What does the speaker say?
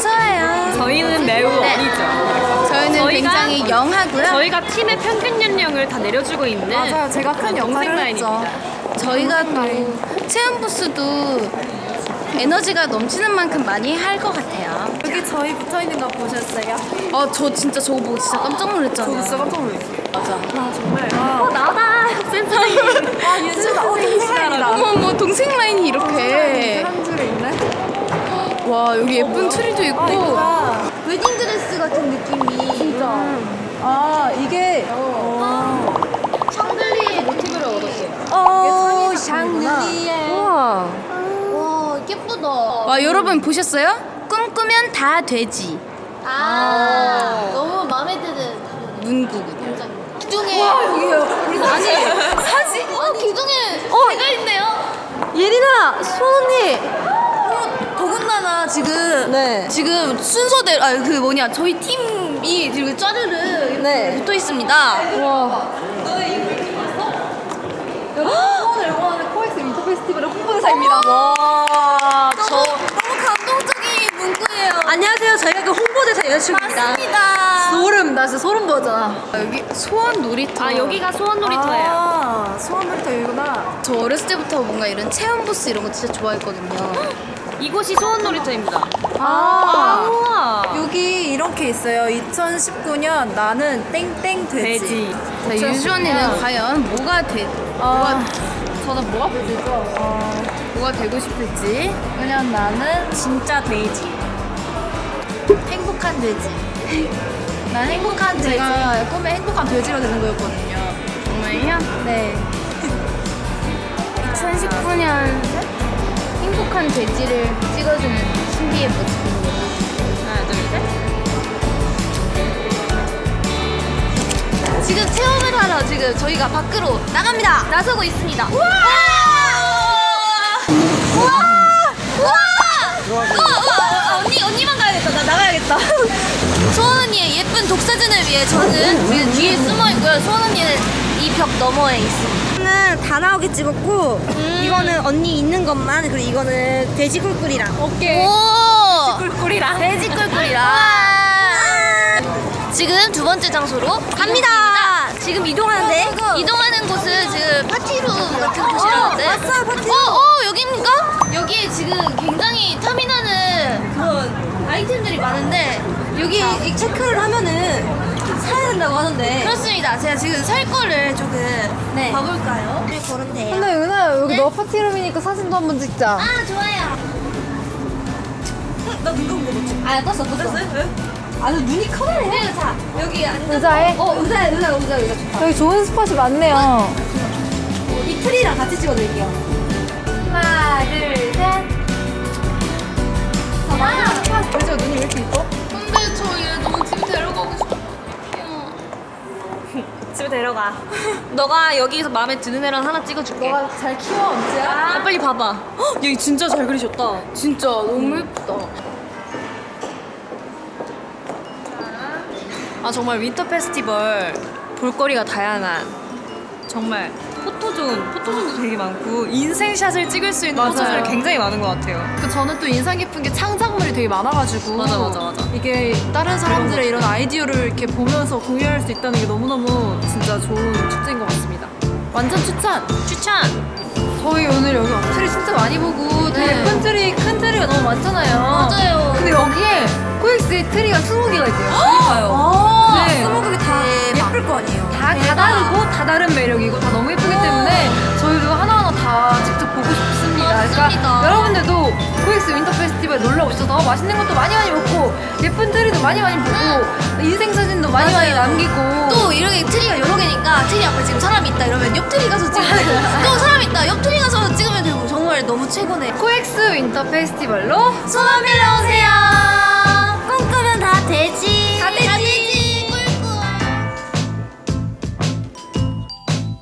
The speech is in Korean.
어서와요. 저희는 매우 어리죠. 저희는 굉장히 영하고요. 저희가 팀의 평균 연령을 다 내려주고 있는 맞아요. 제가 큰 역할을 했죠. 저희가 또 체험 부스도 에너지가 넘치는 만큼 많이 할 것 같아요. 여기 저희 붙어있는 거 보셨어요? 저 진짜 저거 보고 진짜 깜짝 놀랐잖아요. 저도 진짜 깜짝 놀랐어요. 맞아. 나 정말 나다 센터이. 윤주가 동생이다. 어머 동생 라인이 이렇게. 한 줄에 있네. 와 여기 예쁜 트리도 있고. 이거다. 웨딩드레스 같은 느낌이. 진짜. 이게 샹들리에 모티브를 얻었어요. 샹들리에. 우와. 와 예쁘다. 와 여러분 보셨어요? 꿈꾸면 다 되지. 너무 마음에 드는 문구거든요. 기둥에 아니 사진 기둥에 제가 있네요. 예린아, 수언니. 더군다나 지금 순서대로 그 뭐냐 저희 팀이 지금 짜르르 붙어 있습니다. 와. 수원을 응원하는 코엑스 윈터 페스티벌의 홍보대사입니다. 너무 감동적인 문구예요. 안녕하세요. 저희가 그 홍보대사 여자친구입니다. 맞습니다. 소름, 나 진짜 소름 돋았잖아. 여기 소원 놀이터. 여기가 소원 놀이터예요. 소원 놀이터 여기구나. 저 어렸을 때부터 뭔가 이런 체험 부스 이런 거 진짜 좋아했거든요. 이곳이 소원 놀이터입니다. 아, 우와. 여기 이렇게 있어요. 2019년 나는 땡땡 돼지. 자, 유주 언니는 과연 뭐가 저는 뭐가 뭐가 되고 싶을지. 그냥 나는 진짜 돼지. 행복한 돼지. 난 행복한 돼지. 제가 꿈에 행복한 돼지가 되는 거였거든요. 정말요? 네. 2019년 행복한 돼지를 찍어주는 신비의 모습입니다. 하나, 둘, 셋. 지금 체험을 하러 지금 저희가 밖으로 나갑니다. 나서고 있습니다. 우와! 우와! 언니만 가야겠다. 나 나가야겠다. 소원 언니의 예쁜 독사진을 위해 저는 지금 뒤에 숨어 있고요. 소원 언니는 이 벽 너머에 있습니다. 이거는 다 나오게 찍었고 이거는 언니 있는 것만 그리고 이거는 돼지 꿀꿀이랑 오케이. 오! 꿀꿀이랑. 돼지 꿀꿀이랑. 지금 두 번째 장소로 갑니다. 지금 이동하는데 이동하는 곳은 지금 파티룸 같은 곳이라는데. 왔어요, 파티룸. 여기입니까? 여기 지금 굉장히 탐이나는 그런 아이템들이 많은데 여기 이 체크를 하면은 사야 된다고 하던데 그렇습니다. 제가 지금 살 거를 조금 봐볼까요? 고르면 돼요. 근데 은하야, 여기 네? 너 파티룸이니까 사진도 한번 찍자. 아 좋아요. 나눈 감은 거 맞지? 떴어요? 아, 너 눈이 커다래. 그리고 자 여기 앉아. 의자에? 의자 좋다. 여기 좋은 스팟이 많네요. 이 트리랑 같이 찍어드릴게요. 하나 둘 셋. 의자 눈이 왜 이렇게 이뻐? 근데 저 얘 너무 집에 데려가고 싶어. 집에 데려가. 너가 여기서 마음에 드는 애랑 하나 찍어줄게. 너가 잘 키워, 언제야? 빨리 봐봐. 헉, 얘 진짜 잘 그리셨다. 진짜 너무 예쁘다. 정말 윈터 페스티벌 볼거리가 다양한 정말 포토존도 되게 많고 인생샷을 찍을 수 있는 맞아요. 포토존이 굉장히 많은 것 같아요. 저는 또 인상 깊은 게 창작물이 되게 많아가지고 맞아. 이게 다른 사람들의 이런 아이디어를 이렇게 보면서 공유할 수 있다는 게 너무너무 진짜 좋은 축제인 것 같습니다. 완전 추천! 저희 오늘 여기 트리 진짜 많이 보고 되게 예쁜 트리, 큰 트리가 너무 많잖아요. 맞아요. 근데 여기에 코엑스의 트리가 20개가 있대요. 아, 네. 스모그가 다 예쁠 거 아니에요. 다 다르고 다 다른 매력이고 다 너무 예쁘기 때문에 저희도 하나하나 다 직접 보고 싶습니다. 맞습니다. 그러니까 여러분들도 코엑스 윈터 페스티벌 놀러 오셔서 맛있는 것도 많이 먹고 예쁜 트리도 많이 보고 인생 사진도 많이 남기고 또 이렇게 트리가 여러 개니까 트리 앞에 지금 사람이 있다 이러면 옆 트리 가서 찍으면 되고 또 사람이 있다 옆 트리 가서 찍으면 되고 정말 너무 최고네. 코엑스 윈터 페스티벌로 소원 빌러 오세요.